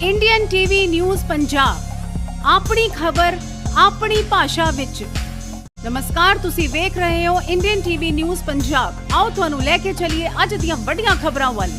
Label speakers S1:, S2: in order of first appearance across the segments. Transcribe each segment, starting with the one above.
S1: Indian TV news Punjab अपनी खबर अपनी भाषा विच। नमस्कार, तुसी वेख रहे हो इंडियन टीवी न्यूज़ पंजाब। आओ तुहानू लेके चलिए अज दियां वड्डियां खबरां वल।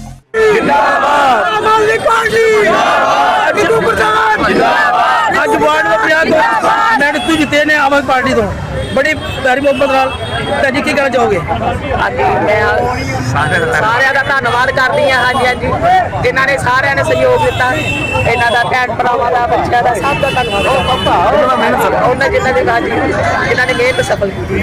S2: ਅੱਜ ਵਾਰਡ ਨੰਬਰ 50 ਤੋਂ ਮੈਡਮ ਜਿੱਤੇ ਨੇ ਆਮ ਆਦਮੀ ਪਾਰਟੀ ਤੋਂ ਬੜੀ ਪਿਆਰੀ ਮੁਹੱਬਤ ਨਾਲ। ਭੈਣ ਜੀ ਕੀ ਕਹਿਣਾ ਚਾਹੋਗੇ?
S3: ਹਾਂਜੀ, ਮੈਂ ਸਾਰਿਆਂ ਦਾ ਧੰਨਵਾਦ ਕਰਦੀ ਹਾਂ। ਹਾਂਜੀ ਜਿਨ੍ਹਾਂ ਨੇ ਸਾਰਿਆਂ ਨੇ ਸਹਿਯੋਗ ਦਿੱਤਾ, ਇਹਨਾਂ ਦਾ ਭੈਣ ਭਰਾਵਾਂ ਦਾ, ਬੱਚਿਆਂ ਦਾ, ਸਭ ਦਾ ਧੰਨਵਾਦ। ਉਹਨਾਂ ਜਿਨ੍ਹਾਂ ਨੇ ਮਿਹਨਤ ਸਫਲ ਕੀਤੀ।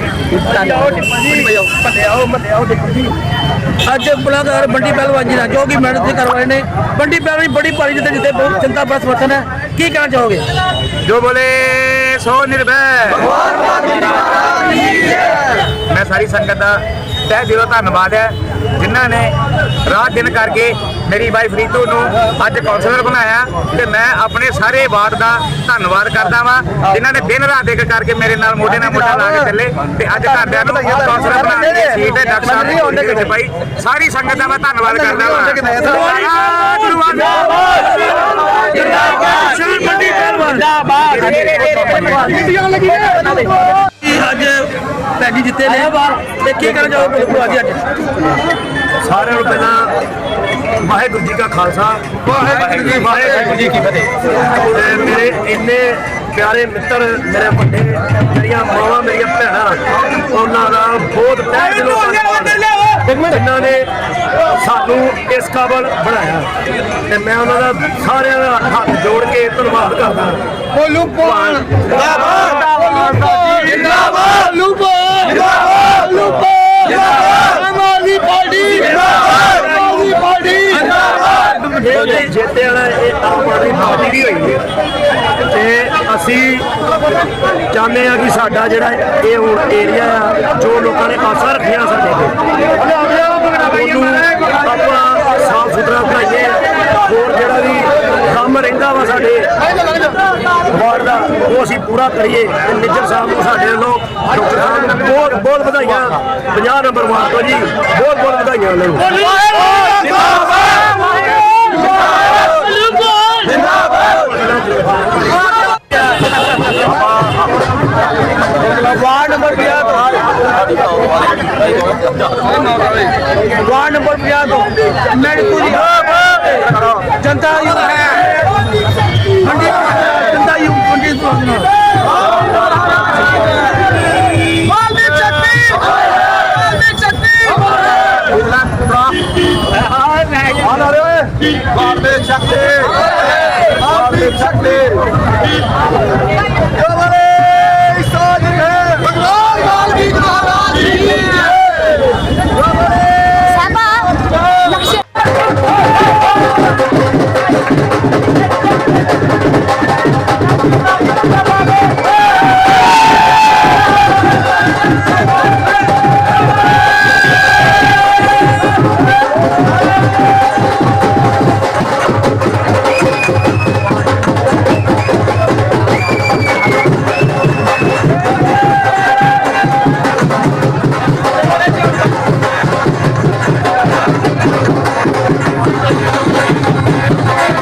S2: ਅੱਜ ਮੁਲਾਕਾਤ ਬੰਡੀ ਪਹਿਲਵਾਨ ਜੀ ਨਾਲ ਜੋ ਕਿ ਮੈਡਮ ਜੀ ਕਰਵਾਏ ਨੇ। ਬੰਡੀ ਪਹਿਲਵਾਨ ਬੜੀ ਭਾਰੀ ਜਿੱਤੇ ਬਹੁਤ ਜਨਤਾ ਦਾ ਸਮਰਥਨ ਹੈ। ਕੀ ਕਹਿਣਾ ਚਾਹੋਗੇ?
S4: जो बोले सो निर्भय। मैं सारी संगत का तह दिलों धन्नवाद है जिन्हों ने रात दिन करके मेरी वाइफ रीतू नूं अज कौंसलर बनाया। तो मैं अपने सारे वार्ड का धन्नवाद करता वा जिन्होंने दिन रात एक करके मेरे नाल मोढे नाल मोढा ला के चले ते अज घरदिआं नूं कौंसलर बना के सीट है डॉक्टर साहब भाई। सारी संगत का मैं धन्नवाद करता वा।
S2: ਅੱਜ ਭੈਣ ਜੀ ਜਿੱਤੇ ਨੇ ਤੇ ਕੀ ਕਹਿਣਾ ਚਾਹੋਗੇ ਭੂਆ ਜੀ? ਅੱਜ
S4: ਸਾਰਿਆਂ ਨੂੰ ਪਹਿਲਾਂ ਵਾਹਿਗੁਰੂ ਜੀ ਕਾ ਖਾਲਸਾ ਵਾਹਿਗੁਰੂ ਜੀ ਕੀ ਫਤਿਹ। ਮੇਰੇ ਇੰਨੇ ਪਿਆਰੇ ਮਿੱਤਰ, ਮੇਰੇ ਵੱਡੇ, ਮੇਰੀਆਂ ਮਾਵਾਂ, ਮੇਰੀਆਂ ਭੈਣਾਂ, ਉਹਨਾਂ ਦਾ ਬਹੁਤ ਤਹਿ ਦਿਲੋਂ ਧੰਨਵਾਦ ਜਿਨ੍ਹਾਂ ਨੇ ਸਾਨੂੰ ਇਸ ਕਾਬਲ ਬਣਾਇਆ। ਤੇ ਮੈਂ ਉਹਨਾਂ ਦਾ ਸਾਰਿਆਂ ਦਾ ਹੱਥ ਜੋੜ ਕੇ ਧੰਨਵਾਦ ਕਰਦਾ। ਜਿੱਤੇ ਵਾਲਾ ਇਹ ਆਮ ਆਦਮੀ ਪਾਰਟੀ ਦੀ ਹੋਈ ਹੈ ਤੇ ਅਸੀਂ ਚਾਹੁੰਦੇ ਹਾਂ ਕਿ ਸਾਡਾ ਜਿਹੜਾ ਇਹ ਹੁਣ ਏਰੀਆ ਆ, ਜੋ ਲੋਕਾਂ ਨੇ ਆਸਾਂ ਰੱਖੀਆਂ ਸਾਡੇ ਤੇ, ਉਹਨੂੰ ਆਪਾਂ ਸਾਫ ਸੁਥਰਾ ਬਣਾਈਏ। ਹੋਰ ਜਿਹੜਾ ਵੀ ਕੰਮ ਰਹਿੰਦਾ ਵਾ ਸਾਡੇ ਵਾਰਡ ਦਾ ਉਹ ਅਸੀਂ ਪੂਰਾ ਕਰੀਏ। ਤੇ ਨਿੱਜਰ ਸਾਹਿਬ ਨੂੰ ਸਾਡੇ ਵੱਲੋਂ, ਡਾਕਟਰ ਸਾਹਿਬ ਨੂੰ ਬਹੁਤ ਬਹੁਤ ਵਧਾਈਆਂ। 50 ਨੰਬਰ ਵਾਰਡ ਤੋਂ ਜੀ ਬਹੁਤ ਬਹੁਤ ਵਧਾਈਆਂ ਉਹਨਾਂ ਨੂੰ।
S2: ਵਾਰਡ ਨੰਬਰ 50 ਵਾਰਡ ਨੰਬਰ 50 ਤੋਂ ਮੈਡਮ ਜੀ ਜਨਤਾ ਯੂ ਮੰਡੀ ਜਨਤਾ ਯੂ ਮੰਡੀ ਤੋਂ
S4: शक्ति